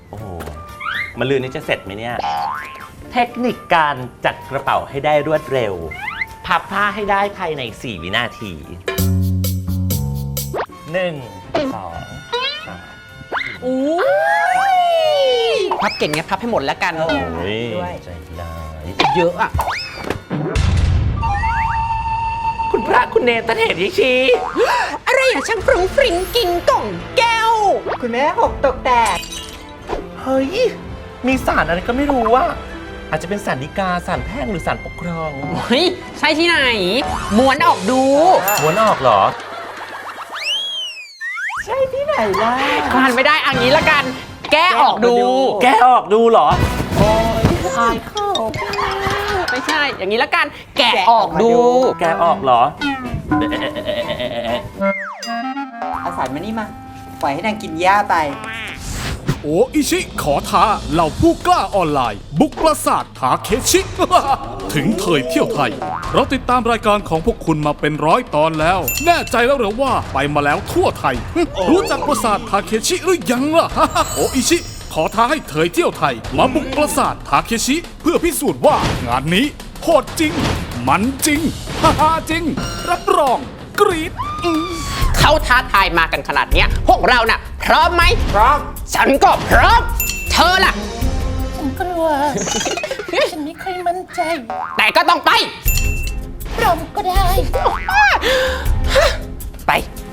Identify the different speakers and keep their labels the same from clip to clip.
Speaker 1: โอ้โหมะรืนนี้จะเสร็จไหมเนี่ยเทคนิคการจัดกระเป๋าให้ได้รวดเร็วพับผ้าให้ได้ภายใน4 วินาที1 2 3
Speaker 2: อู้พับเก่งไงพับให้หมดแล้วกัน
Speaker 1: โอ้ยใจร้าย
Speaker 2: เยอะอ่ะ
Speaker 1: คุณพระคุณเนรตะเถรยิชี
Speaker 2: อะไรอ่ะช่างฟรุ้งฟริ้งกินกล่องแก้ว
Speaker 3: คุณแม่หกตกแตก
Speaker 1: เฮ้ยมีศาลอะไรก็ไม่รู้ว่าอาจจะเป็นศาลฎีกาศาลแพ่งหรือศาลปกครอง
Speaker 2: เฮ้ย ใช่ที่ไหน ม้วนออกดู
Speaker 1: ม้วนออกเหรอ
Speaker 3: ใช่ที่ไหนล่ะ
Speaker 2: คลานไม่ได้อันนี้ละกัน แก้ออกดู
Speaker 1: แกออกดูเหรอโอ้ยทายเข้า
Speaker 2: ไม่ใช่ อย่างนี้ละกัน แกะออกดู
Speaker 1: แกออกเหรอ
Speaker 3: เอาสารมานี่มา ปล่อยให้นางกินหญ้าไป
Speaker 4: โออิชิขอท้าเหล่าผู้กล้าออนไลน์ บุกปราสาททาเคชิ ถึงเถยเที่ยวไทย เราติดตามรายการของพวกคุณมาเป็น100 ตอนแล้ว แน่ใจแล้วเหรือว่าไปมาแล้วทั่วไทย รู้จักปราสาททาเคชิหรือยังล่ะ โออิชิขอท้าให้เถยเที่ยวไทย มาบุกปราสาททาเคชิ เพื่อพิสูจน์ว่างานนี้โหดจริง มันจริงฮ่าจริง รับรองกรี๊ด
Speaker 2: เขาท้าทายมากันขนาดเนี้ย พวกเราน่ะ พร้อมไหม พร้อม ฉันก็พร้อม เธอล่ะ
Speaker 5: ฉันกลัว ฉันไม่ค่อยมั่นใจ
Speaker 2: แต่ก็ต้องไป
Speaker 5: พร้อมก็ได้
Speaker 2: ไป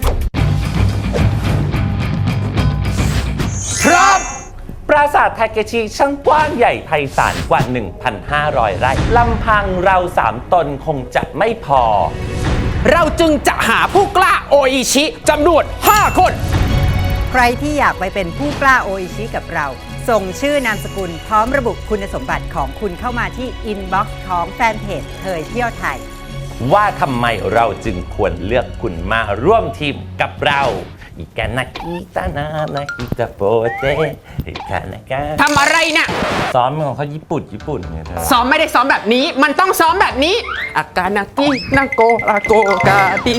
Speaker 2: พร้อม
Speaker 1: ปราสาททาเกชิช่างกว้างใหญ่ไพศาลกว่า 1,500 ไร่ลำพังเรา3 ตนคงจะไม่พอ
Speaker 2: เราจึงจะหาผู้กล้าโออิชิจำนวน 5 คน
Speaker 3: ใครที่อยากไปเป็นผู้กล้าโออิชิกับเรา ส่งชื่อนามสกุลพร้อมระบุคุณสมบัติของคุณเข้ามาที่อินบ็อกซ์ของแฟนเพจเถยเที่ยวไทย
Speaker 1: ว่าทำไมเราจึงควรเลือกคุณมาร่วมทีมกับเราอีกานากิตานานากิตาโปเตอีกานากิ
Speaker 2: ทำอะไรเนี่ย
Speaker 1: ซ้อมของเขาญี่ปุ่นไงเธอ
Speaker 2: ซ้อมไม่ได้ซ้อมแบบนี้ มันต้องซ้อมแบบนี้ อากานากินาโกอาโกกาติ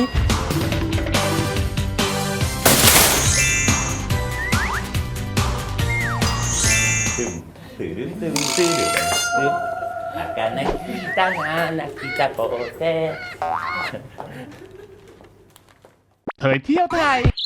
Speaker 1: อากานากิตานานากิตาโปเต
Speaker 4: เถยเที่ยวไทย